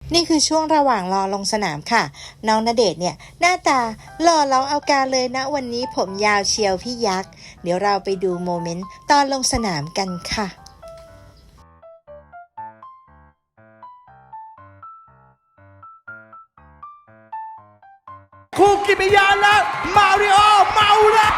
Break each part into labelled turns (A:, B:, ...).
A: นี่คือช่วงระหว่างรอลงสนามค่ะน้องณเดชน์เนี่ยหน้าตาหล่อเราเอาการเลยนะวันนี้ผมยาวเชียวพี่ยักษ์เดี๋ยวเราไปดูโมเมนต์ตอนลงสนามกันค่ะ
B: คูกิมิยาและมาริโอเมาแล้ว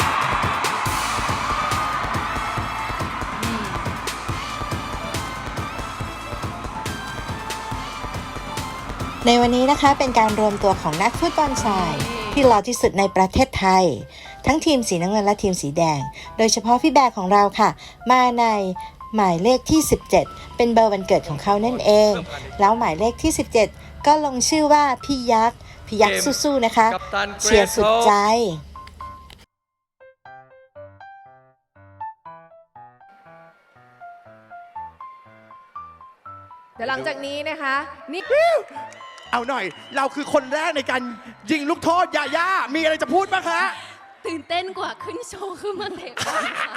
A: ในวันนี้นะคะเป็นการรวมตัวของนักฟุตบอลชายที่หล่อที่สุดในประเทศไทยทั้งทีมสีน้ำเงินและทีมสีแดงโดยเฉพาะพี่แบกของเราค่ะมาในหมายเลขที่17เป็นเบอร์วันเกิดของเขานั่นเองแล้วหมายเลขที่17ก็ลงชื่อว่าพี่ยักษ์สู้ๆนะคะเชียร์สุดใจ
C: เดี๋ยวหลังจากนี้นะคะนี่
B: เอาหน่อยเราคือคนแรกในการยิงลูกโทษยาย่ามีอะไรจะพูดบ้างคะ
D: ตื่นเต้นกว่าขึ้นโชว์คือมาเตะบอลค่ะ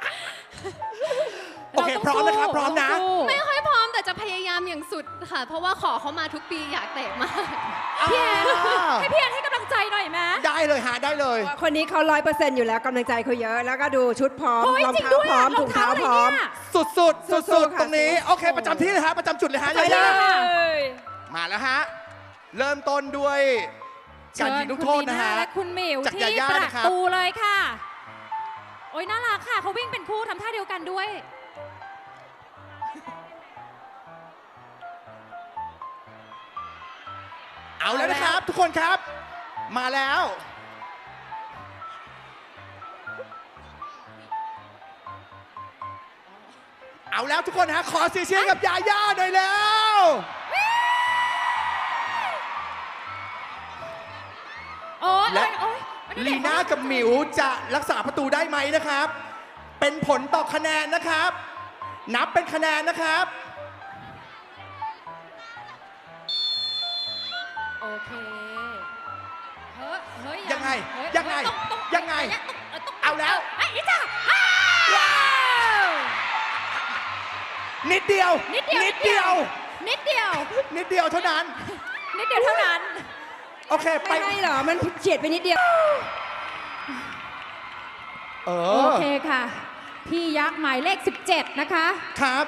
B: โอเคพร้อมนะครับพร้อมนะ
D: ไม่ค่อยพร้อมแต่จะพยายามอย่างสุดค่ะเพราะว่าขอเขามาทุกปีอยากเตะมาก
C: พี่แอนให้พี่แอนให้กำลังใจหน่อยไหม
B: ได้เลยฮะได้เลย
C: คนนี้เขา100%อยู่แล้วกำลังใจเขาเยอะแล้วก็ดูชุดพร้อมรองเท้าพร้อมถุงเท้าพร้อม
B: สุดตรงนี้โอเคประจำที่เลยฮะประจำจุดเลยฮะยาย่ามาแล้วฮะเริ่มต้นด้วยการยิงลูกโทษนะฮะ
E: และคุณหมิวที่ประตูเลยค่ะโอ้ยน่ารักค่ะเขาวิ่งเป็นคู่ทำท่าเดียวกันด้วย
B: เอาแล้วนะครับทุกคนครับมาแล้วเอาแล้วทุกคนฮะขอเสียงเชียร์กับยาย่าหน่อยแล้วและลีน่ากับหมิวจะรักษาประตูได้ไหมนะครับเป็นผลต่อคะแนนนะครับนับเป็นคะแนนนะครับ
E: โอเคเฮ้ย
B: ยังไงเอาแล้วนิดเดียวเท่านั้นโอเคไป
C: ไม่เหรอมันเฉียดไปนิดเดียว
E: โอเคค่ะพี่ยักษ์หมายเลข17นะคะ
B: ครับ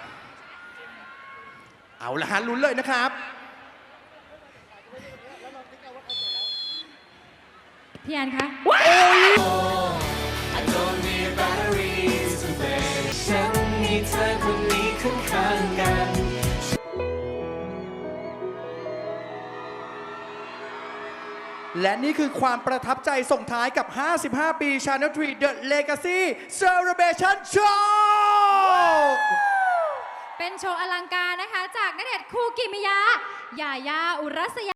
B: เอาละฮะลุ้นเลยนะครับ
E: พี่แอนคะ
F: ฉันมีเธอคนนี้ข้างๆกัน
B: และนี่คือความประทับใจส่งท้ายกับ 55 ปี Channel 3 The Legacy Celebration Show
E: เป็นโชว์อลังการนะคะจากณเดชน์คูกิมิยะยาย่าอุรัสยา